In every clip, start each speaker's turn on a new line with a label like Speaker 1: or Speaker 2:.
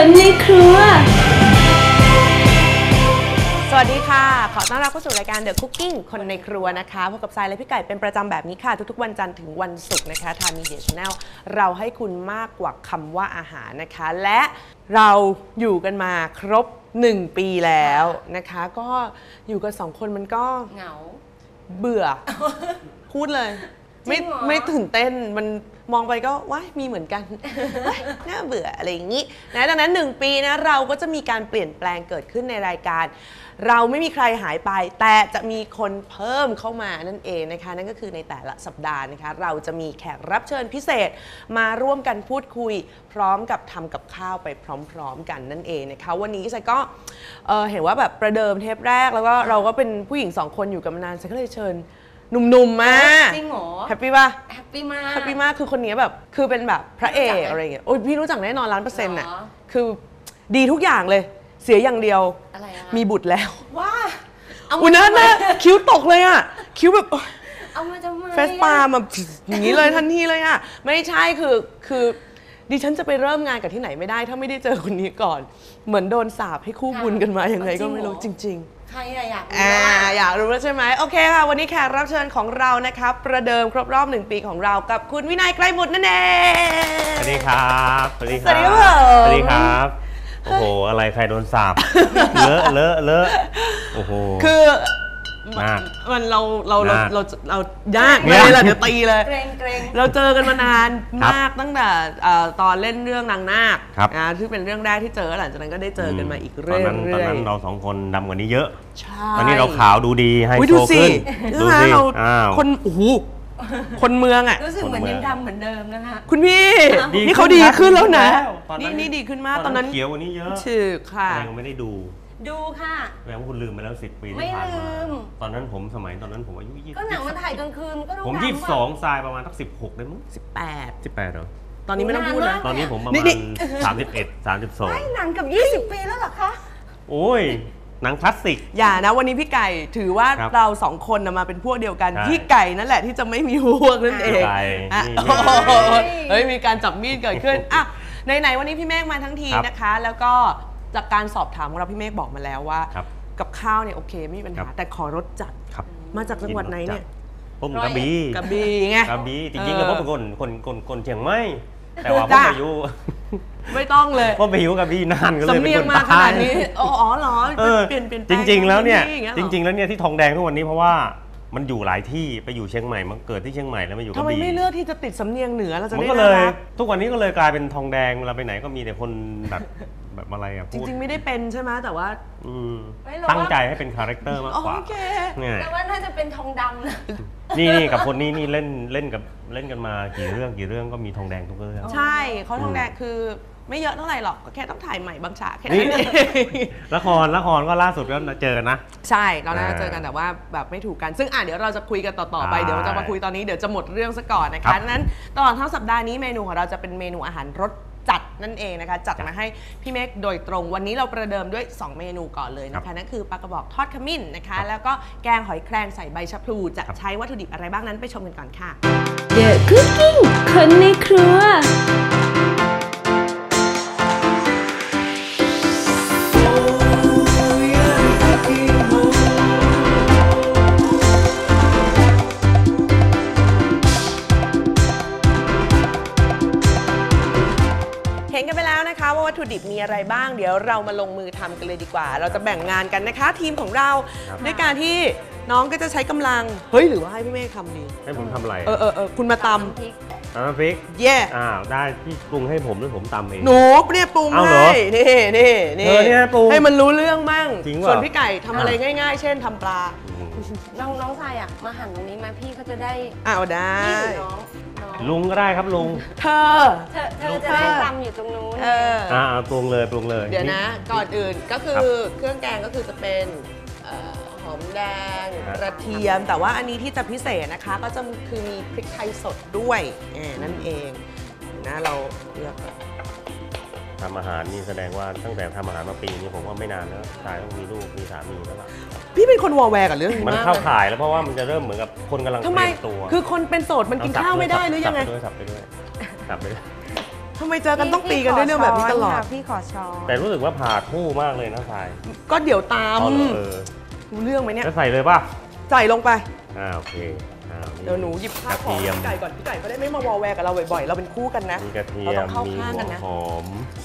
Speaker 1: คนในครัว
Speaker 2: สวัสดีค่ะขอต้อนรับเข้าสู่รายการ The Cooking คนในครัวนะคะพบกับทรายและพี่ไก่เป็นประจำแบบนี้ค่ะทุกๆวันจันทร์ถึงวันศุกร์นะคะทาง Media Channel เราให้คุณมากกว่าคำว่าอาหารนะคะและเราอยู่กันมาครบ1 ปีแล้วนะคะก็อยู่กัน2 คนมันก็
Speaker 3: เหงา
Speaker 2: เบื่อ พูดเลยไม่ตื่นเต้นมันมองไปก็ว้ายมีเหมือนกัน น่าเบื่ออะไรอย่างนี้นะดังนั้น1 ปีนะเราก็จะมีการเปลี่ยนแปลงเกิดขึ้นในรายการเราไม่มีใครหายไปแต่จะมีคนเพิ่มเข้ามานั่นเองนะคะนั่นก็คือในแต่ละสัปดาห์นะคะเราจะมีแขกรับเชิญพิเศษมาร่วมกันพูดคุยพร้อมกับทำกับข้าวไปพร้อมๆกันนั่นเองนะคะวันนี้ฉันก็เห็นว่าแบบประเดิมเทปแรกแล้วก็เราก็เป็นผู้หญิง2 คนอยู่กันมานานฉันก็เลยเชิญหนุ่มๆมา
Speaker 3: จริงเหรอ
Speaker 2: แฮปปี้ป่ะ
Speaker 3: แฮปปี้มาก
Speaker 2: แฮปปี้มากคือคนนี้แบบคือเป็นแบบพระเอกอะไรอย่างเงี้ยโอ้ยพี่รู้จักแน่นอน100%น่ะคือดีทุกอย่างเลยเสียอย่างเดียวมีบุตรแล้ว
Speaker 3: ว้า
Speaker 2: อุ้ยนั่นนะคิ้วตกเลยอ่ะคิ้วแบบ
Speaker 3: เอามาจะมา
Speaker 2: เฟสปามาอย่างนี้เลยทันทีเลยอ่ะไม่ใช่คือดิฉันจะไปเริ่มงานกับที่ไหนไม่ได้ถ้าไม่ได้เจอคนนี้ก่อนเหมือนโดนสาปให้คู่บุญกันมาอย่างไงก็ไม่รู้จริง
Speaker 3: ใครอยาก
Speaker 2: รู้แล้วใช่ไหมโอเคค่ะวันนี้แขกรับเชิญของเรานะครับประเดิมครบรอบ1 ปีของเรากับคุณวินัยไกรบุตรนั่นเอง
Speaker 4: สวัสดีครับ
Speaker 2: สวัสดีครับ
Speaker 4: สวัสดีครับโอ้โหอะไรใครโดนสาปเลอะโอ้โห
Speaker 2: คือมันเรายากเลยล่ะเดี๋ยวตีเลยเราเจอกันมานานมากตั้งแต่ตอนเล่นเรื่องนางนาคนะที่เป็นเรื่องแรกที่เจอหลังจากนั้นก็ได้เจอกันมาอีกเรื่อยๆตอน
Speaker 4: นั้นเรา2 คนดำกว่านี้เยอะตอนนี้เราขาวดูดีไฮโซขึ้น
Speaker 2: ดูสิเราคนโอ้โหคนเมืองอ่ะ
Speaker 3: รู้สึกเหมือนยังดำเหมือนเดิมนะคะ
Speaker 2: คุณพี่นี่เขาดีขึ้นแล้วนะนี่ดีขึ้นมากตอนนั้น
Speaker 4: เขียวกว่านี้เยอะ
Speaker 2: ชื่อค่ะ
Speaker 4: ยังไม่ได้ดู
Speaker 3: ค่ะ
Speaker 4: แสดงว่าคุณลืมไปแล้ว10 ปีที่ผ่านมาตอนนั้นผมสมัยตอนนั้นผมอายุ20
Speaker 3: ก็หนังมันถ่ายกลางคืนก็ดู
Speaker 4: ผม22ทรายประมาณสัก16ได้มั้ง18เหรอ
Speaker 2: ตอนนี้ไม่ต้องพูดนะ
Speaker 4: ตอนนี้ผมประมาณ31 32
Speaker 3: ไม่หนังกับ20 ปีแล้วเหรอคะ
Speaker 4: โอ้ยหนังคลาสสิก
Speaker 2: อย่านะวันนี้พี่ไก่ถือว่าเรา2 คนมาเป็นพวกเดียวกันพี่ไก่นั่นแหละที่จะไม่มีพวกนั่นเองเฮ้ยมีการจับมีดเกิดขึ้นอ่ะไหนวันนี้พี่เมฆมาทั้งทีนะคะแล้วก็จากการสอบถามของเราพี่เมฆบอกมาแล้วว่ากับข้าวเนี่ยโอเคไม่มีปัญหาแต่ขอรสจัดมาจากจังหวัดไหนเนี่ย
Speaker 4: ผมกระบี่
Speaker 2: ไง
Speaker 4: กระบี่จริงๆแล้วผมเป็นคนเชียงใหม่แต่ว่าผมอายุ
Speaker 2: ไม่ต้องเลย
Speaker 4: ผมไปอยู่กระบี่นานก็เลย
Speaker 2: เป็นคนมาขนาดนี้อ๋อเหรอเปลี่ยน
Speaker 4: จริงๆแล้วเนี่ยที่ทองแดงทุกวันนี้เพราะว่ามันอยู่หลายที่ไปอยู่เชียงใหม่มันเกิดที่เชียงใหม่แล้วมาอยู่กระบี่
Speaker 2: ทำไมไม่เลือกที่จะติดสำเนียงเหนือเราจะได้
Speaker 4: เลยทุกวันนี้ก็เลยกลายเป็นทองแดงเวลาไปไหนก็มีแต่คนแบบอะไรอ่ะ
Speaker 2: จริงๆไม่ได้เป็นใช่ไหมแต่ว่า
Speaker 4: ตั้งใจให้เป็นคาแรคเตอร์มากกว่า
Speaker 3: แต่ว่าน่าจะเป็นทองดำนะ
Speaker 4: นี่กับคนนี้นี่เล่นกันมากี่เรื่องก็มีทองแดงทุกเรื่อง
Speaker 2: ใช่เขาทองแดงคือไม่เยอะเท่าไหร่หรอกก็แค่ต้องถ่ายใหม่บางฉากแค่นั้นเอง
Speaker 4: ละครก็ล่าสุดก็เจอกันนะ
Speaker 2: ใช่เราน่าจะเจอกันแต่ว่าแบบไม่ถูกกันซึ่งเดี๋ยวเราจะคุยกันต่อไปเดี๋ยวจะมาคุยตอนนี้เดี๋ยวจะหมดเรื่องซะก่อนนะคะนั้นตลอดทั้งสัปดาห์นี้เมนูของเราจะเป็นเมนูอาหารรสจัดนั่นเองนะคะจัดมาให้พี่เมฆโดยตรงวันนี้เราประเดิมด้วย2 เมนูก่อนเลยนะคะนั่นคือปลากระบอกทอดขมิ้นนะคะแล้วก็แกงหอยแครงใส่ใบชะพลูจะใช้วัตถุดิบอะไรบ้างนั้นไปชมกันก่อนค่ะ
Speaker 1: The Cooking คนในครัว
Speaker 2: เห็นกันไปแล้วนะคะว่าวัตถุดิบมีอะไรบ้างเดี๋ยวเรามาลงมือทำกันเลยดีกว่าเราจะแบ่งงานกันนะคะทีมของเราด้วยการที่น้องก็จะใช้กำลังเฮ้ยหรือว่าให้พี่เมฆทำดี
Speaker 4: ให้ผมทำอะไร
Speaker 2: คุณมาตำ
Speaker 4: น้ำพริก
Speaker 2: เย่
Speaker 4: ได้พี่ปรุงให้ผมหรือผมตำเอง
Speaker 2: หนูเนี่ยปรุงให้นี่ให้มันรู้เรื่องมั่งส่วนพี่ไก่ทำอะไรง่ายๆเช่นทำปลา
Speaker 3: น้องชายมาหั่นตรงนี้มาพี่เขาจะได้
Speaker 2: ได้
Speaker 4: ลุงก็ได้ครับลุง
Speaker 3: เธอจะได้ตำอยู่ตรงนู้น
Speaker 4: ปรุงเลย
Speaker 2: เดี๋ยวนะก่อนอื่นก็คือเครื่องแกงก็คือจะเป็นหอมแดงกระเทียมแต่ว่าอันนี้ที่จะพิเศษนะคะก็จะคือมีพริกไทยสดด้วยนั่นเองนะเราเลือก
Speaker 4: ทำอาหารนี่แสดงว่าตั้งแต่ทำอาหารมาปีนี้ผมว่าไม่นานแล้วชายต้องมีลูกมีสามีแล้วล่ะ
Speaker 2: พี่เป็นคนวอลแวร์กับเรื่องนี้
Speaker 4: มันเข้าข่ายแล้วเพราะว่ามันจะเริ่มเหมือนกับคนกำลังเตรียมตัว
Speaker 2: คือคนเป็นโสดมันกินข้าวไม่ได้หรือยังไง
Speaker 4: สับไปด้วย
Speaker 2: ทำไมเจอกันต้องตีกันด้วยเรื่องแบบนี้ตลอด
Speaker 3: พี่ขอช้อน
Speaker 4: แต่รู้สึกว่าผ่าคู่มากเลยนะทราย
Speaker 2: ก็เดี๋ยวตาม
Speaker 4: เอาเหรอ
Speaker 2: รู้เรื่องไหมเนี่ย
Speaker 4: จะใส่เลยป่ะ
Speaker 2: ใส่ลงไป
Speaker 4: โอเคนี่
Speaker 2: เดี๋ยวหนูหยิบข้าวของ
Speaker 4: กระเทียม
Speaker 2: พี่ไก่ก่อนพี่ไก่ก็ได้ไม่มาวอลแวร์กับเราบ่อยๆ เราเป็นคู่กันนะ
Speaker 4: มีกระเทีย
Speaker 2: เราต้
Speaker 4: ม
Speaker 2: องเข้า
Speaker 4: มี
Speaker 2: ข้าง
Speaker 4: หั
Speaker 2: กัน
Speaker 4: ว
Speaker 2: นะ
Speaker 4: หอม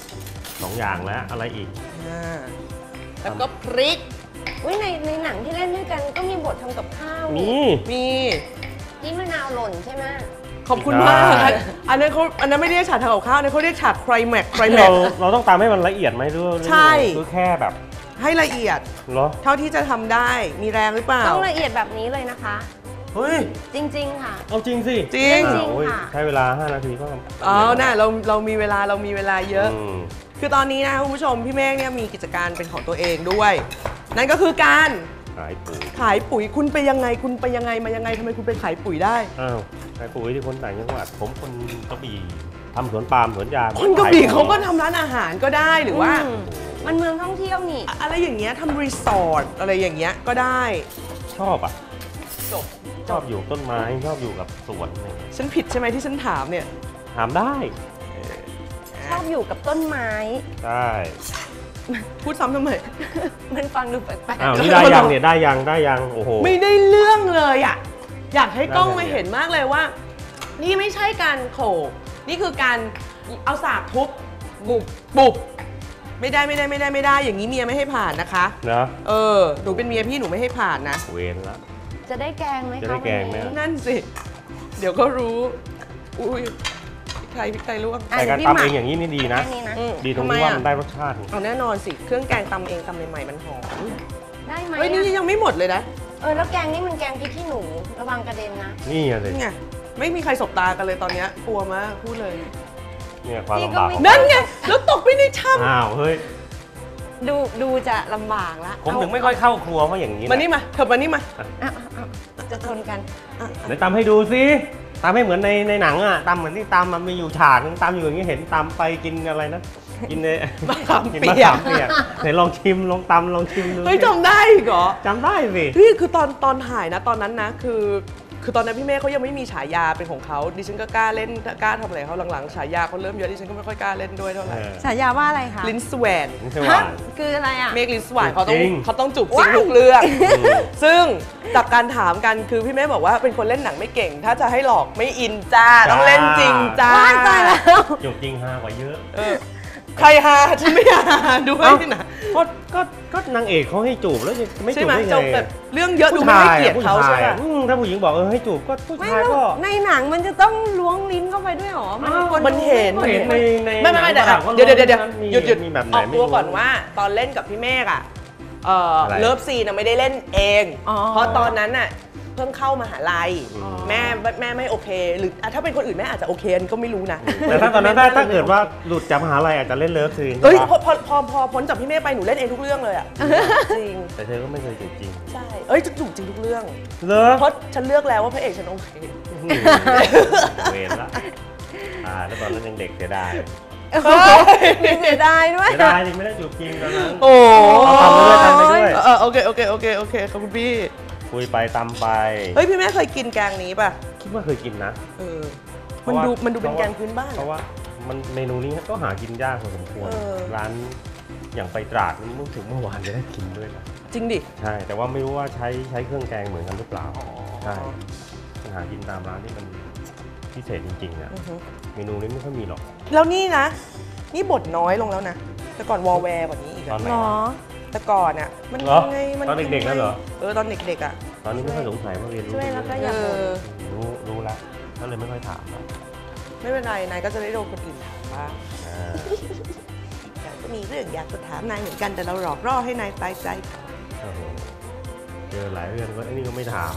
Speaker 4: 2อย่างแล้วอะไรอีก
Speaker 2: แล้วก็พริก
Speaker 3: อุ้ยในหนังที่เล่นด้วยกันก็มีบททำกับข้าว
Speaker 4: มี
Speaker 2: มี
Speaker 3: ที่มะนาวหล่นใช่ไหม
Speaker 2: ขอบคุณมาก
Speaker 4: ใช่
Speaker 2: อันนั้นไม่ได้เรียกฉากทางกับข้าวอันนั้นเขาเรียกฉากไครแม็ก
Speaker 4: เราต้องตามให้มันละเอียดไหมหรือว่า
Speaker 2: ใช่
Speaker 4: คือแค่แบบ
Speaker 2: ให้ละเอียด
Speaker 4: เหรอ
Speaker 2: เท่าที่จะทำได้มีแรงหรือเปล่า
Speaker 3: ต้องละเอียดแบบนี้เลยนะคะ
Speaker 4: เฮ้ย
Speaker 3: จริงๆค่ะ
Speaker 4: เอาจริงสิ
Speaker 2: จริง
Speaker 3: จริง
Speaker 4: โอ้ย
Speaker 3: ค่ะ
Speaker 4: ใช้เวลา5 นาทีก็
Speaker 2: อ๋อน่ะเรามีเวลาเยอะ
Speaker 4: ม
Speaker 2: คือตอนนี้นะคุณผู้ชมพี่เมฆเนี่ยมีกิจการเป็นของตัวเองด้วย นั่นก็คือการ
Speaker 4: ขายปุ๋ย
Speaker 2: ขายปุ๋ยคุณไปยังไงมายังไงทำไมคุณไปขายปุ๋ยได้
Speaker 4: อ้าวขายปุ๋ยที่คนต่างจังหวัดผมคนกระบี่ทำสวนปาล์มสวนยาง
Speaker 2: คนกระบี่
Speaker 4: ขยปุ๋ย
Speaker 2: เขาก็ทำร้านอาหารก็ได้หรือว่า
Speaker 3: มันเมืองท่องเที่ยวนี่
Speaker 2: อะไรอย่างเงี้ยทำรีสอร์ทอะไรอย่างเงี้ยก็ได้
Speaker 4: ชอบอ่ะ
Speaker 2: จบ
Speaker 4: ชอบอยู่ต้นไม้ชอบอยู่กับสวนอะไรเงี้ย
Speaker 2: ฉันผิดใช่ไหมที่ฉันถามเนี่ย
Speaker 4: ถามได้
Speaker 3: ชอบอยู่กับต้นไม้
Speaker 4: ได้
Speaker 2: พูดซ้ำทำไม
Speaker 3: มันฟังดูแปลก
Speaker 4: อ้าวนี่ได้ยังเนี่ยได้ยังโอ้โห
Speaker 2: ไม่ได้เรื่องเลยอ่ะอยากให้กล้อง
Speaker 4: ได้
Speaker 2: มา
Speaker 4: เลย
Speaker 2: เห็นมากเลยว่า นี่ไม่ใช่การโขกนี่คือการเอาสากทุบบุบไม่ได้อย่างนี้เมียไม่ให้ผ่านนะคะ
Speaker 4: เนาะ
Speaker 2: หนูเป็นเมียพี่หนูไม่ให้ผ่านนะ
Speaker 4: เวรละ
Speaker 3: ๆจะได้แกงไหมคะ
Speaker 4: จะได้แกงไหม
Speaker 3: วันนี้
Speaker 2: นั่นสิ เดี๋ยวก็รู้ อุ้ยพริกไทยลวก
Speaker 3: อ่ะ
Speaker 4: แต่การ
Speaker 3: เดี๋ยวพี่
Speaker 4: ตำ
Speaker 3: หมัก
Speaker 4: เองอย่างนี้นี่ดีนะ
Speaker 3: แค่นี้นะ
Speaker 4: ดีตรง
Speaker 2: ทำไม
Speaker 4: ที่ว่า
Speaker 2: อะ
Speaker 4: มันได้รสชาติ
Speaker 2: เอาแน่นอนสิ เครื่องแกงตำเองตำใหม่ๆมันหอม
Speaker 3: ได้ไหม
Speaker 2: เฮ้ย นี่ยังไม่หมดเลยนะ
Speaker 3: แล้วแกงนี่มันแกงพริกขี้หนูระวังกระเด็นนะ
Speaker 4: นี่อะสิ
Speaker 2: นี่ไง ไม่มีใครสบตากันเลยตอนเนี้ยกลัวมากพูดเลย
Speaker 4: เนี่ยความ
Speaker 3: พี่
Speaker 4: ลำ
Speaker 3: ก็
Speaker 4: บาก
Speaker 3: ไม่
Speaker 2: นั่นไง แล้วตกไปในถ้
Speaker 4: อ้าวเฮ้ย
Speaker 3: ดูจะลำบากละ
Speaker 4: ผมถึงไม่ค่อยเข้าครัวเพราะอย่างนี้
Speaker 2: ำ
Speaker 4: นะ
Speaker 2: มานี่มาเธอมานี่มา
Speaker 3: จะชนกัน
Speaker 4: เดี๋ยวตำให้ดูสิตำให้เหมือนในหนังอ่ะตำเหมือนที่ตำมันมีอยู่ฉากนึงตำอยู่อย่างนี้เห็นตำไปกินอะไรนะ กินใน
Speaker 2: มะขาม
Speaker 4: กิน
Speaker 2: เปี
Speaker 4: มะ
Speaker 2: ย
Speaker 4: ขาก มเปียกไหนลองชิมลองตำลองชิมดู
Speaker 2: เฮ้ยจำได้อีกเหรอ
Speaker 4: จำได้สิ
Speaker 2: นี่คือตอนถ่ายนะตอนนั้นนะคือตอนนั้นพี่เมฆเขายังไม่มีฉายาเป็นของเขาดิฉันก็กล้าเล่นกล้าทำอะไรเขาหลังๆฉายาเขาเริ่มเยอะดิฉันก็ไม่ค่อยกล้าเล่นด้วยเท่าไหร่
Speaker 3: ฉายาว่าอะไรคะ
Speaker 2: ลิ้นสแวน
Speaker 4: นี่ใช่หวาน
Speaker 3: คืออะไรอ่ะ
Speaker 2: เมฆลิ้นสแวนเขาต้อง
Speaker 4: จริง
Speaker 2: เขาต้องจูบจริงทุกเรื่อง ซึ่งจากการถามกันคือพี่เมฆบอกว่าเป็นคนเล่นหนังไม่เก่ง ถ้าจะให้หลอกไม่อินจ้าต้องเล่นจริงจ้า
Speaker 3: ว้ายตายแล้ว
Speaker 4: จบจริงฮากว่าเยอะ
Speaker 2: ใครฮาฉันไม่ฮาด้วยนะ
Speaker 4: ก็นางเอกเขาให้จูบแล้วจะไม่
Speaker 2: ใช่
Speaker 4: จูบ
Speaker 2: ไหม
Speaker 4: ได้
Speaker 2: จ
Speaker 4: ไง
Speaker 2: บแบบเรื่องเยอะดูไม่ให้เกียรติเขาใช่ไหม
Speaker 4: ถ้าผู้หญิงบอกให้จูบก็ผู้
Speaker 3: ไม่
Speaker 4: ชาย
Speaker 3: แล้ว
Speaker 4: ก็
Speaker 3: ในหนังมันจะต้องล้วงลิ้นเข้าไปด้วยเหรอ
Speaker 2: มันเห็น
Speaker 4: เห็นใน
Speaker 2: ไม่
Speaker 4: หนัง
Speaker 2: เดี๋ยว
Speaker 4: ฝรั่งก็
Speaker 2: เดี๋ยว
Speaker 4: มี
Speaker 2: หยุด
Speaker 4: มีแบบไหน
Speaker 2: ออก
Speaker 4: ไม่
Speaker 2: ตัว
Speaker 4: รู้
Speaker 2: ก่อนว่าตอนเล่นกับพี่เมฆอ่ะ
Speaker 4: อะไร
Speaker 2: เลิฟซีนไม่ได้เล่นเอง
Speaker 3: อ๋อ
Speaker 2: เพราะตอนนั้นน่ะเพิ่งเข้ามหาลัย
Speaker 4: อ๋อ
Speaker 2: แม่ไม่โอเค หรือถ้าเป็นคนอื่นแม่อาจจะโอเคอันก็ไม่รู้นะ
Speaker 4: แต่ถ้าตอนนั้นถ้าเกิดว่าหลุดจากมหาลัยอาจจะเล่นเลิฟซีน
Speaker 2: เอ้ย
Speaker 4: ใช่ปะ
Speaker 2: พอพ้นจากพี่เมฆไปหนูเล่นเองทุกเรื่องเลยอ่ะจริง
Speaker 4: แต่เธอก็ไม่เคยจูบจริง
Speaker 2: ใช่เอ้ยจะถูกจริงทุกเรื่อง
Speaker 4: เหรอ
Speaker 2: เพราะฉันเลือกแล้วว่าพระเอกฉันโอเค
Speaker 4: เวรละแล้วตอนนั้นยังเด็กเสียดาย
Speaker 3: เสียดายด้วย
Speaker 4: เสียดายจริงไม่ได้จูบจริงตอนนั้น
Speaker 2: โอ้
Speaker 4: ทำไปด้วย
Speaker 2: โอเคขอบคุณพี่
Speaker 4: คุยไปตำไป
Speaker 2: เฮ้ยพี่แม่เคยกินแกงนี้ป่ะ
Speaker 4: คิดว่าเคยกินนะ
Speaker 2: มันดูเป็นแกงพื้นบ้าน
Speaker 4: เพราะว่ามันเมนูนี้ก็หากินยากพอสมควร ร้านอย่างไปตราดนี่ถึงเมื่อวานจะได้กินด้วยนะ
Speaker 2: จริงดิ
Speaker 4: ใช่ แต่ว่าไม่รู้ว่าใช้เครื่องแกงเหมือนกันหรือเปล่าใช่มันหากินตามร้านที่มันพิเศษจริงๆอะเมนูนี้ไม่ค่อยมีหรอก
Speaker 2: แล้วนี่นะ นี่บทน้อยลงแล้วนะ แต่ก่อนวอลแวร์กว่านี้อีก
Speaker 4: ตอน
Speaker 2: อะ
Speaker 4: ไหน
Speaker 3: หรอ
Speaker 4: วะ
Speaker 2: แต่ก่อนอะมัน
Speaker 4: เหรอ
Speaker 2: ยังไงมัน
Speaker 4: ตอนเด็กๆนั่นเหรอ
Speaker 2: ตอนเด็กๆอะ
Speaker 4: ตอนนี้ไม่ค่อยสงสัยว่าเรียนรู้
Speaker 3: ช่วยแล้วก็
Speaker 2: เอ
Speaker 3: อย่าบ่น
Speaker 2: อ
Speaker 4: รู้แล้วก็เลยไม่ค่อยถามแล้ว
Speaker 2: ไม่เป็นไรนายก็จะได้โดนคนอื่นถามบ้าง
Speaker 4: อ่า
Speaker 2: แต่ก็มีเรื่องอยากจะถามนายเหมือนกันแต่เราหลอกล่อให้นายตายใจ
Speaker 4: โอ้โหเจอหลายเรื่องก็ไอ้นี่ก็ไม่ถาม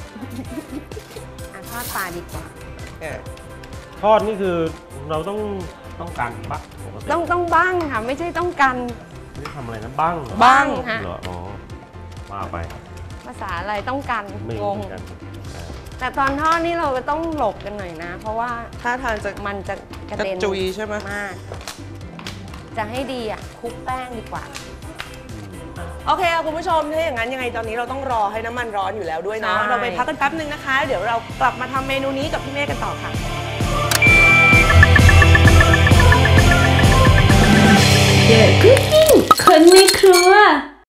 Speaker 3: ทอดปลาดีกว่า
Speaker 4: ทอดนี่คือเราต้องการปะปกติ
Speaker 3: ต้องบ้างค่ะ ไม่ใช่ต้องกัน
Speaker 4: นี่ทำอะไรนะบ้าง
Speaker 2: บ้าง
Speaker 3: ฮะ
Speaker 4: เหรออ๋อว่าไป
Speaker 3: ภาษาอะไรต้องกัน
Speaker 4: ไม่
Speaker 3: ง
Speaker 4: รู้
Speaker 3: ง
Speaker 4: เหมือนกันอ่า
Speaker 3: แต่ตอนทอดนี่เราก็ต้องหลบกันหน่อยนะ เพราะว่า
Speaker 2: ถ้าทางจะ
Speaker 3: มันจะกระ
Speaker 2: กระ
Speaker 3: เด็น
Speaker 2: จุยใช่ไหม
Speaker 3: มาก จะให้ดีอ่ะคลุกแป้งดีกว่า
Speaker 2: โอเคคุณผู้ชมถ้าอย่างนั้นยังไงตอนนี้เราต้องรอให้น้ำมันร้อนอยู่แล้วด้วยเนาะ
Speaker 3: ใช่
Speaker 2: เราไปพักกันแป๊บนึงนะคะ เดี๋ยวเรากลับมาทำเมนูนี้กับพี่เมฆกันต่อค่ะ
Speaker 1: The Cooking คนในครัว